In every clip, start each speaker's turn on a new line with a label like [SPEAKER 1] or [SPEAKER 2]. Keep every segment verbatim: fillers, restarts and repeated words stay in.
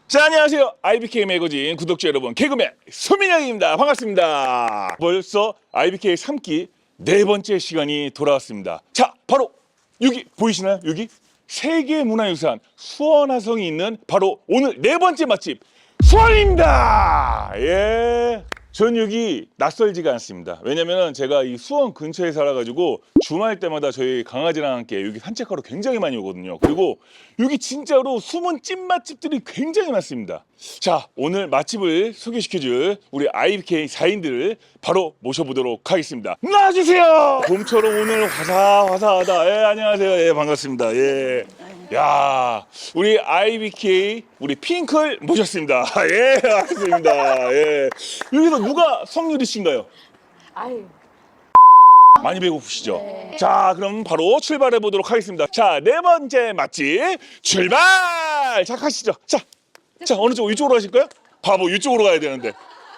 [SPEAKER 1] 자, 안녕하세요. 아이비케이 매거진 구독자 여러분, 개그맨 소민영입니다. 반갑습니다. 벌써 아이비케이 삼 기 네 번째 시간이 돌아왔습니다. 자, 바로 여기 보이시나요? 여기 세계문화유산 수원화성이 있는 바로 오늘 네 번째 맛집 수원입니다. 예. 전 여기 낯설지가 않습니다. 왜냐면은 제가 이 수원 근처에 살아가지고 주말 때마다 저희 강아지랑 함께 여기 산책하러 굉장히 많이 오거든요. 그리고 여기 진짜로 숨은 찐맛집들이 굉장히 많습니다. 자, 오늘 맛집을 소개시켜줄 우리 아이비케이 사인들을 바로 모셔보도록 하겠습니다. 나와주세요. 봄처럼 오늘 화사화사하다. 예, 안녕하세요. 예, 반갑습니다. 예. 야, 우리 아이비케이 우리 핑클 모셨습니다. 예, 반갑습니다. 예. 여기서 누가 성유리 씨인가요?
[SPEAKER 2] 아유.
[SPEAKER 1] 많이 배고프시죠? 네. 자, 그럼 바로 출발해 보도록 하겠습니다. 자, 네 번째 맛집 출발! 자, 가시죠. 자, 자, 어느 쪽 이쪽으로 가실까요? 바보, 이쪽으로 가야 되는데.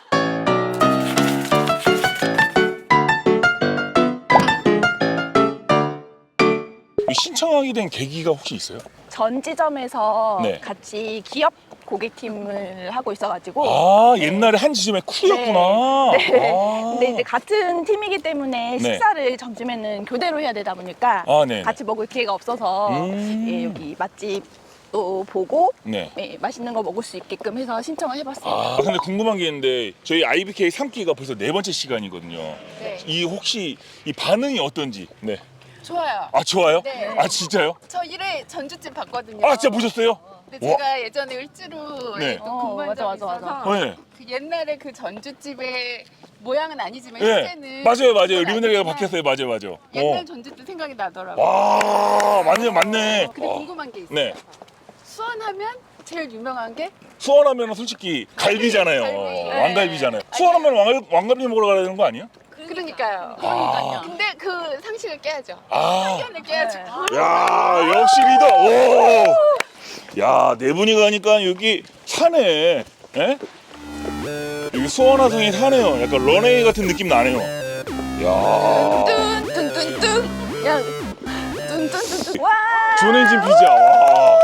[SPEAKER 1] 신청하게 된 계기가 혹시 있어요?
[SPEAKER 2] 전 지점에서
[SPEAKER 1] 네.
[SPEAKER 2] 같이 기업 고객팀을 하고 있어가지고.
[SPEAKER 1] 아,
[SPEAKER 2] 네.
[SPEAKER 1] 옛날에 한 지점의 쿨이었구나.
[SPEAKER 2] 네. 네.
[SPEAKER 1] 아.
[SPEAKER 2] 근데 이제 같은 팀이기 때문에
[SPEAKER 1] 네.
[SPEAKER 2] 식사를 점심에는 교대로 해야 되다 보니까
[SPEAKER 1] 아, 네.
[SPEAKER 2] 같이 먹을 기회가 없어서
[SPEAKER 1] 음.
[SPEAKER 2] 예, 여기 맛집도 보고
[SPEAKER 1] 네.
[SPEAKER 2] 예, 맛있는 거 먹을 수 있게끔 해서 신청을 해봤어요.
[SPEAKER 1] 아, 근데 궁금한 게 있는데 저희 아이비케이 삼 기가 벌써 네 번째 시간이거든요.
[SPEAKER 2] 네.
[SPEAKER 1] 이 혹시 이 반응이 어떤지. 네.
[SPEAKER 3] 좋아요.
[SPEAKER 1] 아, 좋아요?
[SPEAKER 3] 네.
[SPEAKER 1] 아, 진짜요?
[SPEAKER 3] 저 일 회 전주집 봤거든요.
[SPEAKER 1] 아, 진짜 보셨어요?
[SPEAKER 3] 근데
[SPEAKER 1] 와.
[SPEAKER 3] 제가 예전에 을지로에
[SPEAKER 1] 네.
[SPEAKER 3] 또
[SPEAKER 2] 어,
[SPEAKER 3] 근무한
[SPEAKER 2] 맞아,
[SPEAKER 3] 적이
[SPEAKER 2] 맞아,
[SPEAKER 3] 있어서
[SPEAKER 2] 맞아.
[SPEAKER 1] 네.
[SPEAKER 3] 그 옛날에 그 전주집의 모양은 아니지만
[SPEAKER 1] 네.
[SPEAKER 3] 현재는
[SPEAKER 1] 맞아요, 맞아요.
[SPEAKER 3] 그건
[SPEAKER 1] 리브네리가
[SPEAKER 3] 아니지만
[SPEAKER 1] 바뀌었어요. 맞아요, 맞아요.
[SPEAKER 3] 옛날
[SPEAKER 1] 어.
[SPEAKER 3] 전주집 생각이 나더라고요.
[SPEAKER 1] 와, 맞네, 맞네.
[SPEAKER 3] 근데
[SPEAKER 1] 어.
[SPEAKER 3] 궁금한 게 있어요.
[SPEAKER 1] 네.
[SPEAKER 3] 수원하면 제일 유명한 게
[SPEAKER 1] 수원하면 솔직히 갈비잖아요.
[SPEAKER 3] 갈비. 네.
[SPEAKER 1] 왕갈비잖아요. 수원하면 왕, 왕갈비 먹으러 가야 되는 거 아니에요?
[SPEAKER 3] 그러니까요.
[SPEAKER 1] 그러니까요.
[SPEAKER 3] 근데 그 상식을 깨야죠.
[SPEAKER 1] 아.
[SPEAKER 3] 편견을 깨야죠.
[SPEAKER 2] 네.
[SPEAKER 1] 야, 역시 리더. 오. 야, 네 분이 가니까 여기 산에, 예? 여기 수원화성이 사네요. 약간 런웨이 같은 느낌 나네요. 야,
[SPEAKER 3] 뚠뚠뚠뚠.
[SPEAKER 2] 야, 뚠뚠뚠뚠. 와!
[SPEAKER 1] 존엔진 피자. 와.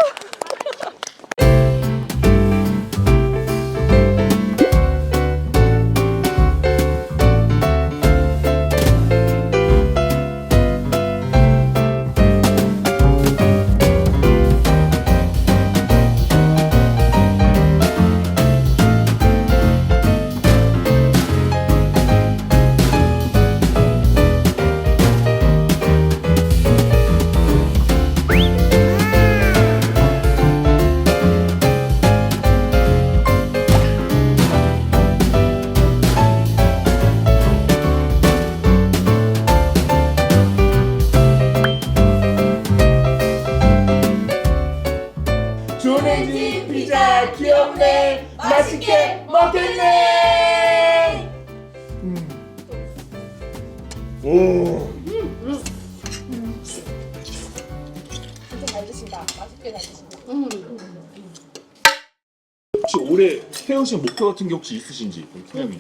[SPEAKER 1] 존엔진 피자 귀엽네. 맛있게 먹겠네. 음. 오.
[SPEAKER 2] 잘 드신다. 맛있게 잘 드신다.
[SPEAKER 1] 혹시 올해 세우신 목표 같은 게 혹시 있으신지, 팀장님?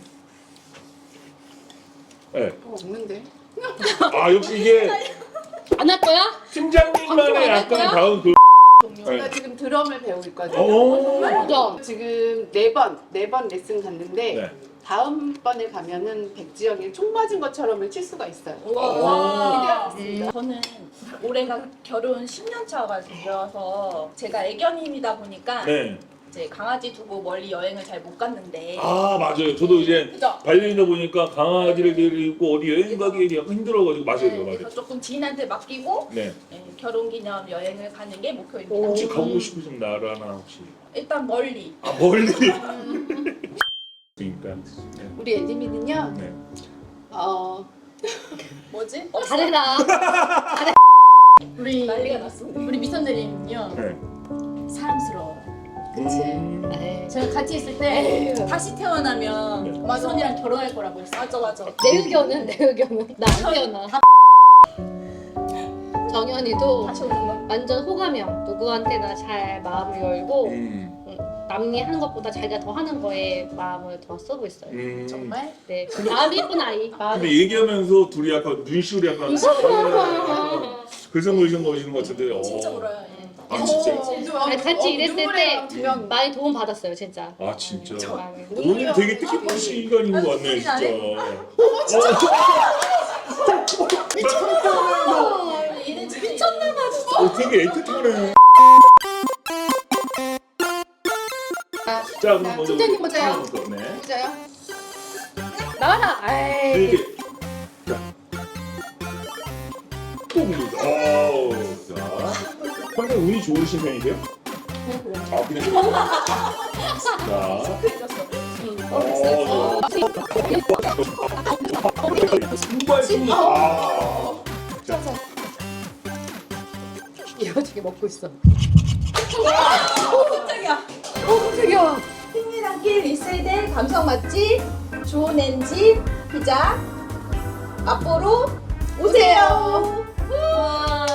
[SPEAKER 1] 네.
[SPEAKER 3] 없는데.
[SPEAKER 1] 아, 역시 이게
[SPEAKER 4] 안 할 거야?
[SPEAKER 1] 팀장님만의 약간 다음 그.
[SPEAKER 5] 제가 지금 드럼을 배우고 있거든요.
[SPEAKER 1] 오.
[SPEAKER 4] 그죠?
[SPEAKER 5] 지금 네 번, 네 번 레슨 갔는데
[SPEAKER 1] 네.
[SPEAKER 5] 다음 번에 가면은 백지영이 총 맞은 것처럼을 칠 수가 있어요.
[SPEAKER 2] 와. 저는 올해가 결혼 십 년 차가 되어서 제가 애견인이다 보니까
[SPEAKER 1] 네.
[SPEAKER 2] 이제 강아지 두고 멀리 여행을 잘 못 갔는데.
[SPEAKER 1] 아, 맞아요. 저도 이제
[SPEAKER 2] 그죠?
[SPEAKER 1] 반려인이다 보니까 강아지를 데리고 어디 여행 가기 약간 힘들어가지고 맞아요,
[SPEAKER 2] 네,
[SPEAKER 1] 맞아요.
[SPEAKER 2] 그래서 조금 지인한테 맡기고
[SPEAKER 1] 네.
[SPEAKER 2] 네, 결혼 기념 여행을 가는 게 목표입니다.
[SPEAKER 1] 혹시 가고 싶으신 나라나 혹시?
[SPEAKER 2] 일단 멀리.
[SPEAKER 1] 아, 멀리. 그러니까. 네.
[SPEAKER 5] 우리 에디미는요,
[SPEAKER 1] 네.
[SPEAKER 5] 어,
[SPEAKER 2] 뭐지?
[SPEAKER 4] 어, 잘해라.
[SPEAKER 2] 우리 난리가 났습니다.
[SPEAKER 4] 우리 미선대리는요
[SPEAKER 1] 네.
[SPEAKER 4] 사랑스러워요.
[SPEAKER 5] 그치.
[SPEAKER 1] 음.
[SPEAKER 4] 네. 제가 같이 있을 때 다시 태어나면
[SPEAKER 1] 네.
[SPEAKER 4] 미선이랑 결혼할 거라고 했어.
[SPEAKER 2] 맞아 맞아.
[SPEAKER 4] 내 의견은 내 의견은 나 안 태어나. 정연이도
[SPEAKER 2] 다시 오는 거.
[SPEAKER 4] 완전 호감형. 누구한테나 잘 마음을 열고
[SPEAKER 1] 음.
[SPEAKER 4] 남이 하는 것보다 자기가 더 하는 거에 마음을 더 쓰고 있어요.
[SPEAKER 1] 음.
[SPEAKER 2] 정말?
[SPEAKER 4] 네, 마음이 예쁜 아이.
[SPEAKER 1] 근데 얘기하면서 둘이 약간 눈시울이 약간 그래서 보이신 거시는 것 같은데.
[SPEAKER 2] 진짜
[SPEAKER 1] 어.
[SPEAKER 2] 울어요. 예.
[SPEAKER 1] 아 진짜?
[SPEAKER 4] 아니, 같이 일했을 때
[SPEAKER 5] 두 명.
[SPEAKER 4] 많이 도움 받았어요, 진짜.
[SPEAKER 1] 아 진짜?
[SPEAKER 4] 많이.
[SPEAKER 1] 오늘 되게 뜻깊은 시간인 것 같네 진짜.
[SPEAKER 2] 얘는 진짜 미쳤나봐 진짜.
[SPEAKER 1] 어, 되게 애틋하네. 자 그럼 먼저
[SPEAKER 5] 팀장님 보세요.
[SPEAKER 1] 팀장님 거, 네.
[SPEAKER 5] 진짜요?
[SPEAKER 4] 나와라. 아이.
[SPEAKER 1] 이렇게 자. 또 봅니다. 어, 자. 평소에 운이 좋으신 편이세요? 아 그냥. 자. 어, 신발신이. 아. 자.
[SPEAKER 5] 이어지게 먹고 있어.
[SPEAKER 2] 깜짝이야. 오 깜짝이야. 핑미랑길 일 세대 감성 맛집 좋은 엔진 피자 맛보러 오세요.
[SPEAKER 4] 와.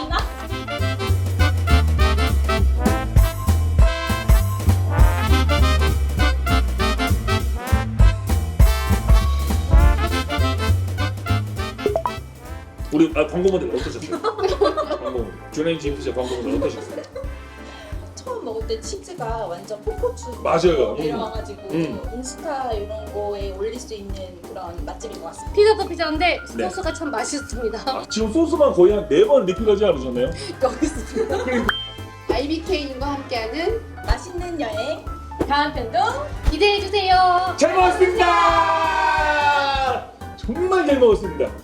[SPEAKER 1] 우리 아, 광고 모델 어떠셨어요? 광고 주네인 진피자 광고 모델 어떠셨어요?
[SPEAKER 2] 처음 먹을 때 치즈가 완전 포코추
[SPEAKER 1] 맞아요.
[SPEAKER 2] 내려와가지고
[SPEAKER 1] 음.
[SPEAKER 2] 인스타 이런 거에 올릴 수 있는 그런 맛집인 것 같습니다.
[SPEAKER 4] 피자도 피자인데
[SPEAKER 1] 네.
[SPEAKER 4] 소스가 참 맛있습니다.
[SPEAKER 1] 아, 지금 소스만 거의 한 네 번 리필하지 않으셨나요?
[SPEAKER 5] 여기 있습니다. 아이비케이님과 함께하는
[SPEAKER 2] 맛있는 여행
[SPEAKER 4] 다음 편도 기대해 주세요.
[SPEAKER 1] 잘 먹었습니다. 정말 잘 먹었습니다.